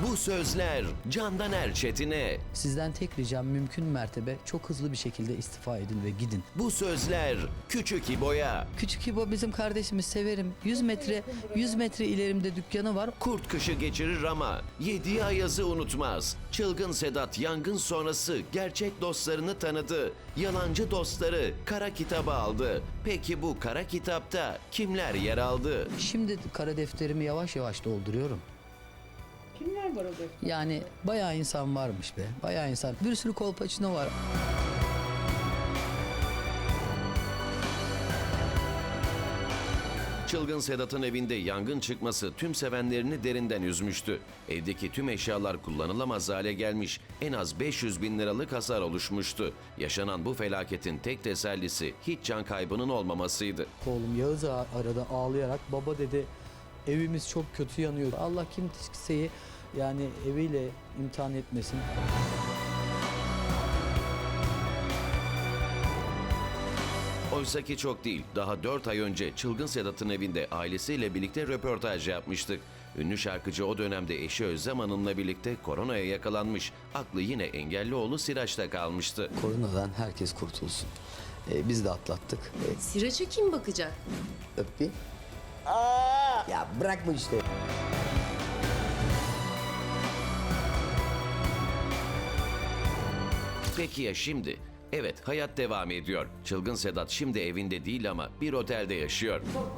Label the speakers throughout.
Speaker 1: Bu sözler Candan Erçetin'e.
Speaker 2: Sizden tek ricam mümkün mertebe çok hızlı bir şekilde istifa edin ve gidin.
Speaker 1: Bu sözler Küçük İbo'ya.
Speaker 2: Küçük İbo bizim kardeşimiz, severim. 100 metre ilerimde dükkanı var.
Speaker 1: Kurt kışı geçirir ama yediği ayazı unutmaz. Çılgın Sedat yangın sonrası gerçek dostlarını tanıdı. Yalancı dostları kara kitaba aldı. Peki bu kara kitapta kimler yer aldı?
Speaker 2: Şimdi kara defterimi yavaş yavaş dolduruyorum.
Speaker 3: Kimler var o defter?
Speaker 2: Yani bayağı insan varmış be. Bayağı insan. Bir sürü kolpaçino var.
Speaker 1: Çılgın Sedat'ın evinde yangın çıkması tüm sevenlerini derinden üzmüştü. Evdeki tüm eşyalar kullanılamaz hale gelmiş, en az 500 bin liralık hasar oluşmuştu. Yaşanan bu felaketin tek tesellisi hiç can kaybının olmamasıydı.
Speaker 2: Oğlum Yağız arada ağlayarak, baba dedi evimiz çok kötü yanıyor. Allah kimseyi yani eviyle imtihan etmesin.
Speaker 1: Oysaki çok değil, daha 4 ay önce Çılgın Sedat'ın evinde ailesiyle birlikte röportaj yapmıştık. Ünlü şarkıcı o dönemde eşi Özlem Hanım'la birlikte koronaya yakalanmış. Aklı yine engelli oğlu Siraç'ta kalmıştı.
Speaker 2: Koronadan herkes kurtulsun. Biz de atlattık.
Speaker 4: Siraç'a kim bakacak?
Speaker 2: Öp bir. Ya bırakma işte.
Speaker 1: Peki ya şimdi? Evet, hayat devam ediyor. Çılgın Sedat şimdi evinde değil ama bir otelde yaşıyor.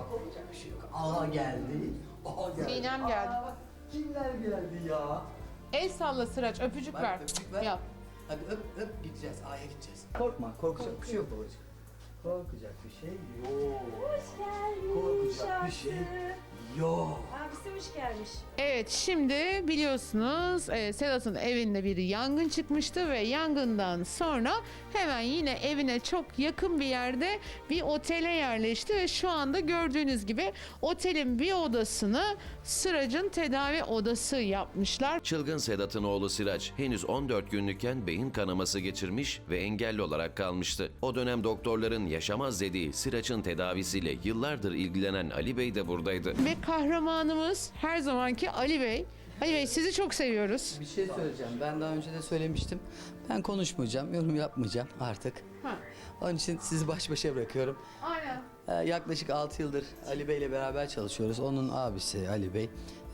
Speaker 2: Aha geldi. Aha geldi.
Speaker 3: Sinem geldi.
Speaker 2: Kimler geldi ya?
Speaker 3: El salla Sıraç, öpücük ver.
Speaker 2: Öpücük ver.
Speaker 3: Yap.
Speaker 2: Hadi öp gideceğiz. Aya gideceğiz. Korkma, korkacak bir şey yok babacığım. Korkacak bir şey yok.
Speaker 5: Hoş geldin.
Speaker 2: Korkacak bir şey yok.
Speaker 5: Abisi hoş gelmiş.
Speaker 3: Evet, şimdi biliyorsunuz Sedat'ın evinde bir yangın çıkmıştı ve yangından sonra hemen yine evine çok yakın bir yerde bir otele yerleşti ve şu anda gördüğünüz gibi otelin bir odasını Sıraç'ın tedavi odası yapmışlar.
Speaker 1: Çılgın Sedat'ın oğlu Siraç henüz 14 günlükken beyin kanaması geçirmiş ve engelli olarak kalmıştı. O dönem doktorların yaşamaz dediği Siraç'ın tedavisiyle yıllardır ilgilenen Ali Bey de buradaydı.
Speaker 3: Ve kahramanımız her zamanki Ali Bey. Ali Bey sizi çok seviyoruz.
Speaker 2: Bir şey söyleyeceğim. Ben daha önce de söylemiştim. Ben konuşmayacağım, yorum yapmayacağım artık.
Speaker 3: Ha.
Speaker 2: Onun için sizi baş başa bırakıyorum.
Speaker 3: Aynen.
Speaker 2: Yaklaşık 6 yıldır Ali Bey ile beraber çalışıyoruz. Onun abisi Ali Bey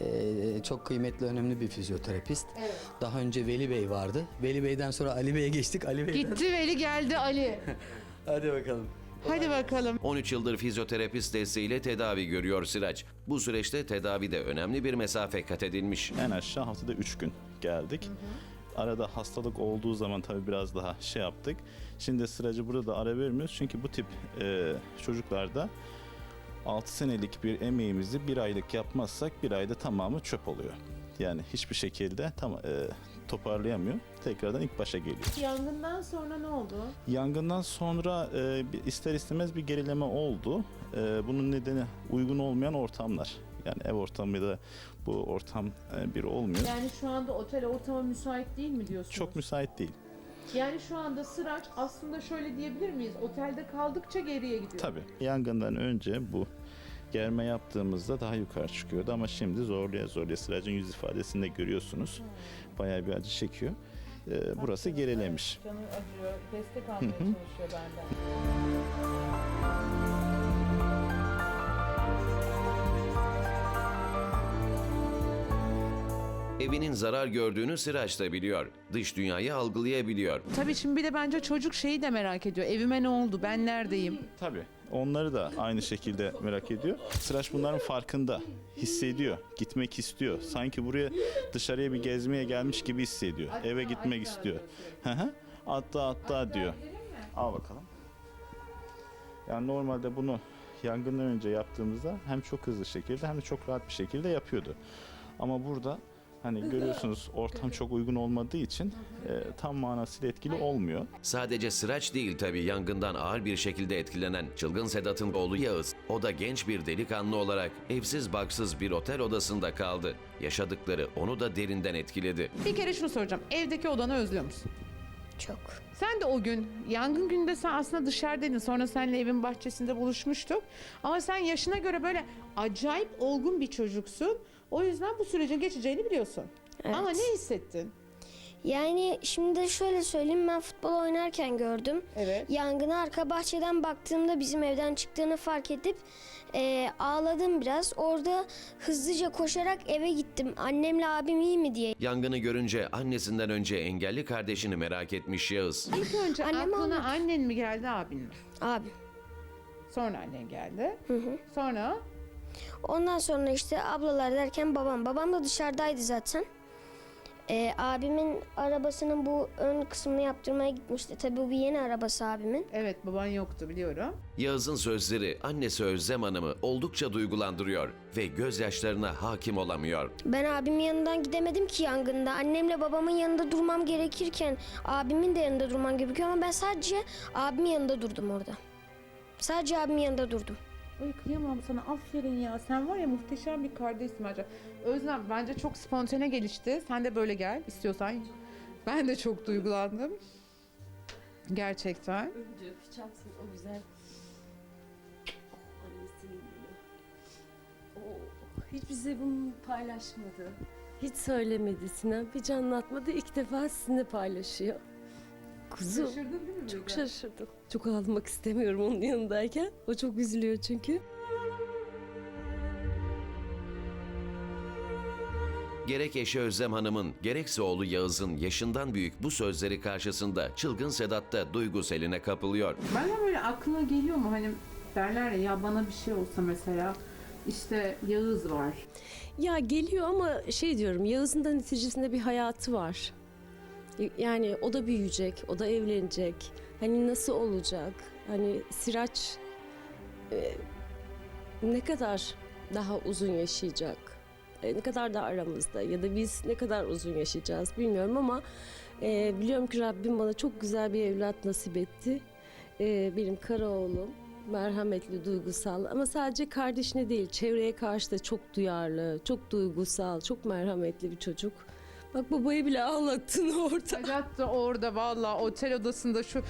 Speaker 2: çok kıymetli, önemli bir fizyoterapist.
Speaker 3: Evet.
Speaker 2: Daha önce Veli Bey vardı. Veli Bey'den sonra Ali Bey'e geçtik. Ali Bey'den...
Speaker 3: Gitti Veli geldi Ali.
Speaker 2: Hadi bakalım.
Speaker 3: Hadi bakalım.
Speaker 1: 13 yıldır fizyoterapist desteğiyle tedavi görüyor Siraç. Bu süreçte tedavide önemli bir mesafe kat edilmiş.
Speaker 6: En aşağı haftada 3 gün geldik. Arada hastalık olduğu zaman tabii biraz daha şey yaptık. Şimdi Sıracı burada da ara vermiyoruz. Çünkü bu tip çocuklarda 6 senelik bir emeğimizi bir aylık yapmazsak bir ayda tamamı çöp oluyor. Yani hiçbir şekilde toparlayamıyor. Tekrardan ilk başa geliyor.
Speaker 3: Yangından sonra ne oldu?
Speaker 6: Yangından sonra ister istemez bir gerileme oldu. Bunun nedeni uygun olmayan ortamlar. Yani ev ortamı da bu ortam bir olmuyor.
Speaker 3: Yani şu anda otel ortama müsait değil mi diyorsunuz?
Speaker 6: Çok müsait değil.
Speaker 3: Yani şu anda Sıraç aslında şöyle diyebilir miyiz? Otelde kaldıkça geriye gidiyor.
Speaker 6: Tabii. Yangından önce bu germe yaptığımızda daha yukarı çıkıyordu ama şimdi zorluya Sıracın yüz ifadesinde görüyorsunuz. Bayağı bir acı çekiyor. Burası gerilemiş.
Speaker 3: Canı acıyor, destek almaya çalışıyor benden.
Speaker 1: Evinin zarar gördüğünü Siraç da biliyor. Dış dünyayı algılayabiliyor.
Speaker 3: Tabii şimdi bir de bence çocuk şeyi de merak ediyor. Evime ne oldu? Ben neredeyim?
Speaker 6: Tabii. Onları da aynı şekilde merak ediyor. Sıraç bunların farkında. Hissediyor. Gitmek istiyor. Sanki buraya dışarıya bir gezmeye gelmiş gibi hissediyor. Eve gitmek istiyor. Atla diyor. Al bakalım. Yani normalde bunu yangından önce yaptığımızda hem çok hızlı şekilde hem de çok rahat bir şekilde yapıyordu. Ama burada hani görüyorsunuz ortam çok uygun olmadığı için tam manasıyla etkili olmuyor.
Speaker 1: Sadece Sıraç değil tabii yangından ağır bir şekilde etkilenen Çılgın Sedat'ın oğlu Yağız. O da genç bir delikanlı olarak evsiz barksız bir otel odasında kaldı. Yaşadıkları onu da derinden etkiledi.
Speaker 3: Bir kere şunu soracağım. Evdeki odanı özlüyor musun?
Speaker 4: Çok.
Speaker 3: Sen de o gün, yangın gününde sen aslında dışarıdaydın. Sonra seninle evin bahçesinde buluşmuştuk. Ama sen yaşına göre böyle acayip olgun bir çocuksun. O yüzden bu sürecin geçeceğini biliyorsun.
Speaker 4: Evet.
Speaker 3: Ama ne hissettin?
Speaker 4: Yani şimdi şöyle söyleyeyim, ben futbol oynarken gördüm.
Speaker 3: Evet.
Speaker 4: Yangına arka bahçeden baktığımda bizim evden çıktığını fark edip ağladım biraz. Orada hızlıca koşarak eve gittim. Annemle abim iyi mi diye.
Speaker 1: Yangını görünce annesinden önce engelli kardeşini merak etmiş Yağız.
Speaker 3: İlk önce
Speaker 4: Annem
Speaker 3: aklına
Speaker 4: almadı.
Speaker 3: annen mi geldi, abin mi?
Speaker 4: Abim.
Speaker 3: Sonra annen geldi.
Speaker 4: Hı hı.
Speaker 3: Sonra
Speaker 4: Ondan sonra işte ablalar derken babam. Babam da dışarıdaydı zaten. Abimin arabasının bu ön kısmını yaptırmaya gitmişti. Tabii bu bir yeni arabası abimin.
Speaker 3: evet, baban yoktu biliyorum.
Speaker 1: Yağız'ın sözleri annesi Özlem Hanım'ı oldukça duygulandırıyor ve gözyaşlarına hakim olamıyor.
Speaker 4: Ben abimin yanından gidemedim ki yangında. Annemle babamın yanında durmam gerekirken abimin de yanında durmam gerekiyor ama ben sadece abimin yanında durdum orada. Sadece abimin yanında durdum.
Speaker 3: Ay kıyamam sana, aferin ya. Sen var ya, muhteşem bir kardeşsin bence. Özlem bence çok spontane gelişti. Sen de böyle gel istiyorsan. Ben de çok duygulandım. Gerçekten.
Speaker 5: Önce öpeceksin o güzel. Annesinin bile. Hiç bize bunu paylaşmadı. Hiç söylemedi Sinem. Hiç anlatmadı. İlk defa sizinle paylaşıyor. Kuzum.
Speaker 3: Şaşırdın değil mi?
Speaker 5: Çok şaşırdım. Çok ağlamak istemiyorum onun yanındayken. O çok üzülüyor çünkü.
Speaker 1: Gerek eşi Özlem Hanım'ın gerekse oğlu Yağız'ın yaşından büyük bu sözleri karşısında çılgın Sedat da duygu seline kapılıyor.
Speaker 3: Bana böyle aklına geliyor mu, hani derler ya bana bir şey olsa mesela, işte Yağız var.
Speaker 5: Ya geliyor ama şey diyorum, Yağız'ın da neticesinde bir hayatı var. Yani o da büyüyecek, o da evlenecek. Hani nasıl olacak? Hani Siraç ne kadar daha uzun yaşayacak? Ne kadar da aramızda ya da biz ne kadar uzun yaşayacağız bilmiyorum ama biliyorum ki Rabbim bana çok güzel bir evlat nasip etti. Benim kara oğlum. Merhametli, duygusal ama sadece kardeşine değil, çevreye karşı da çok duyarlı, çok duygusal, çok merhametli bir çocuk. Bak babayı bile ağlattın orada.
Speaker 3: Sedat da orada valla otel odasında şu...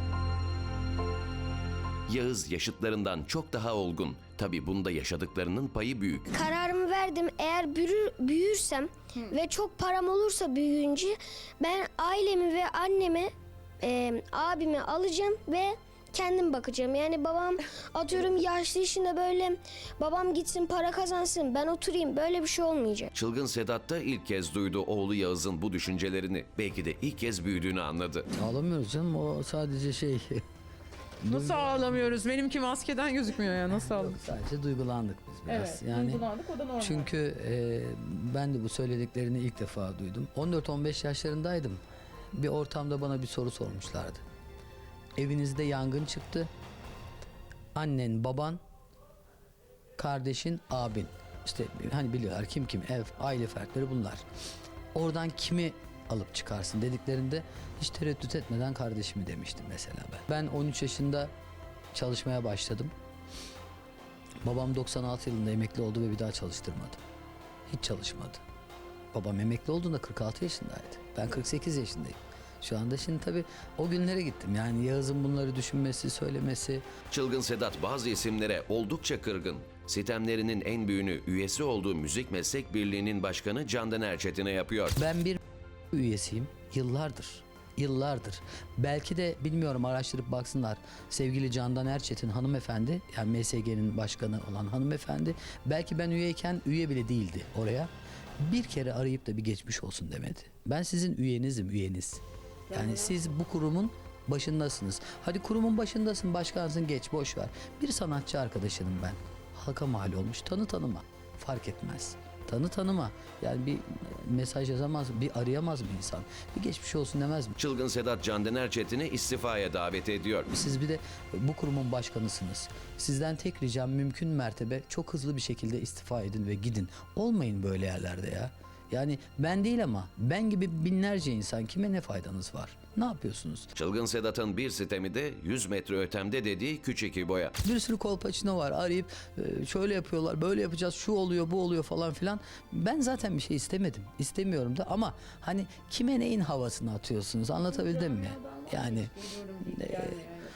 Speaker 1: Yağız yaşıtlarından çok daha olgun. Tabii bunda yaşadıklarının payı büyük.
Speaker 4: Kararımı verdim. Eğer büyürsem ve çok param olursa büyüyünce ben ailemi ve annemi, abimi alacağım ve kendim bakacağım. Yani babam atıyorum yaşlı işinde böyle babam gitsin para kazansın ben oturayım, böyle bir şey olmayacak.
Speaker 1: Çılgın Sedat da ilk kez duydu oğlu Yağız'ın bu düşüncelerini. Belki de ilk kez büyüdüğünü anladı.
Speaker 2: Ağlamıyoruz canım, o sadece şey.
Speaker 3: Nasıl ağlamıyoruz? Benimki maskeden gözükmüyor ya, nasıl ağlamıyoruz?
Speaker 2: Sadece duygulandık biz biraz.
Speaker 3: Evet, duygulandık, o da normal.
Speaker 2: Çünkü ben de bu söylediklerini ilk defa duydum. 14-15 yaşlarındaydım. Bir ortamda bana bir soru sormuşlardı. Evinizde yangın çıktı. Annen, baban, kardeşin, abin. İşte hani biliyorlar kim kim, ev, aile fertleri bunlar. Oradan kimi alıp çıkarsın dediklerinde hiç tereddüt etmeden kardeşimi demiştim mesela ben. Ben 13 yaşında çalışmaya başladım. Babam 96 yılında emekli oldu ve bir daha çalıştırmadı. Hiç çalışmadı. Babam emekli olduğunda 46 yaşındaydı. Ben 48 yaşındayım. Şu anda şimdi tabii o günlere gittim. Yani Yağız'ın bunları düşünmesi, söylemesi.
Speaker 1: Çılgın Sedat bazı isimlere oldukça kırgın. Sitemlerinin en büyüğünü üyesi olduğu Müzik Meslek Birliği'nin başkanı Candan Erçetin'e yapıyor.
Speaker 2: Ben bir üyesiyim. Yıllardır. Belki de bilmiyorum, araştırıp baksınlar. Sevgili Candan Erçetin hanımefendi, yani MSG'nin başkanı olan hanımefendi, belki ben üyeyken üye bile değildi oraya. Bir kere arayıp da bir geçmiş olsun demedi. Ben sizin üyenizim, üyeniz. Yani siz bu kurumun başındasınız. Hadi kurumun başındasın, başkansın, geç, boş ver. Bir sanatçı arkadaşınım ben. Halka mal olmuş, tanı tanıma. Fark etmez. Tanı tanıma. Yani bir mesaj yazamaz, bir arayamaz mı insan? Bir geçmiş olsun demez mi?
Speaker 1: Çılgın Sedat Candan Erçetin'i istifaya davet ediyor.
Speaker 2: Siz bir de bu kurumun başkanısınız. Sizden tek ricam mümkün mertebe çok hızlı bir şekilde istifa edin ve gidin. Olmayın böyle yerlerde ya. Yani ben değil ama ben gibi binlerce insan, kime ne faydanız var? Ne yapıyorsunuz?
Speaker 1: Çılgın Sedat'ın bir sitemi de 100 metre ötemde dediği Küçük İbo'ya.
Speaker 2: Bir sürü kolpaçino var, arayıp şöyle yapıyorlar, böyle yapacağız, şu oluyor, bu oluyor falan filan. Ben zaten bir şey istemedim, istemiyorum da ama hani kime neyin havasını atıyorsunuz, anlatabildim mi? Yani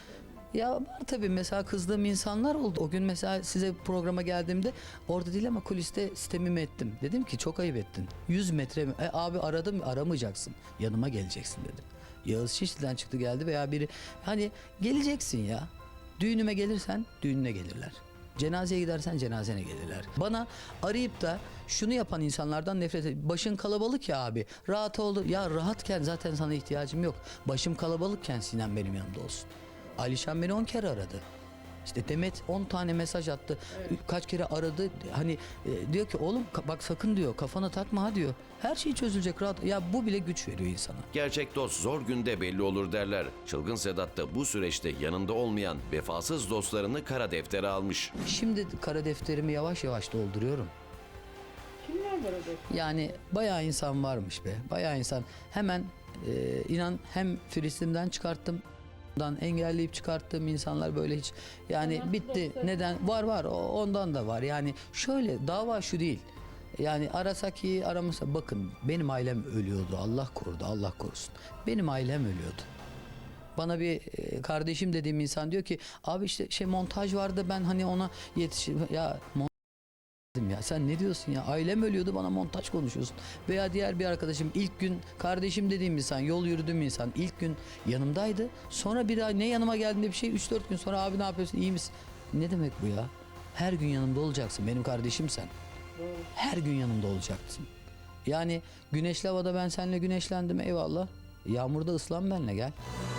Speaker 2: Ya var tabii, mesela kızdığım insanlar oldu. O gün mesela size programa geldiğimde orada değil ama kuliste sitemimi ettim. Dedim ki çok ayıp ettin. 100 metre mi? Abi aradım, aramayacaksın. Yanıma geleceksin dedim. Yağız Şişli'den çıktı geldi veya biri, hani geleceksin ya. Düğünüme gelirsen düğününe gelirler. Cenazeye gidersen cenazene gelirler. Bana arayıp da şunu yapan insanlardan nefret ediyorum. Başın kalabalık ya abi. Rahat ol. Ya rahatken zaten sana ihtiyacım yok. Başım kalabalıkken Sinem benim yanımda olsun. Alişan beni 10 kere aradı. İşte Demet 10 tane mesaj attı. Kaç kere aradı. Hani diyor ki oğlum bak sakın diyor, kafana takma ha diyor. Her şey çözülecek, rahat. Ya bu bile güç veriyor insana.
Speaker 1: Gerçek dost zor günde belli olur derler. Çılgın Sedat da bu süreçte yanında olmayan vefasız dostlarını kara deftere almış.
Speaker 2: Şimdi kara defterimi yavaş yavaş dolduruyorum.
Speaker 3: Kimler var orada?
Speaker 2: Yani bayağı insan varmış be. Bayağı insan. Hemen inan hem Filistin'den çıkarttım. Engelleyip çıkarttığım insanlar böyle hiç, yani bitti. Neden? Var ondan da var. Yani şöyle, dava şu değil. Yani arasak iyi, aramasa, bakın benim ailem ölüyordu. Allah korudu, Allah korusun. Benim ailem ölüyordu. Bana bir kardeşim dediğim insan diyor ki abi işte montaj vardı, ben hani ona yetişim ya ya sen ne diyorsun ya, ailem ölüyordu bana montaj konuşuyorsun. Veya diğer bir arkadaşım, ilk gün kardeşim dediğim insan, yol yürüdüğüm insan ilk gün yanımdaydı. Sonra bir ay ne yanıma geldiğinde bir şey, 3-4 gün sonra abi ne yapıyorsun, iyi misin? Ne demek bu ya? Her gün yanımda olacaksın, benim kardeşim sen. Her gün yanımda olacaksın. Yani güneşli havada ben seninle güneşlendim, eyvallah. Yağmurda ıslan benle gel.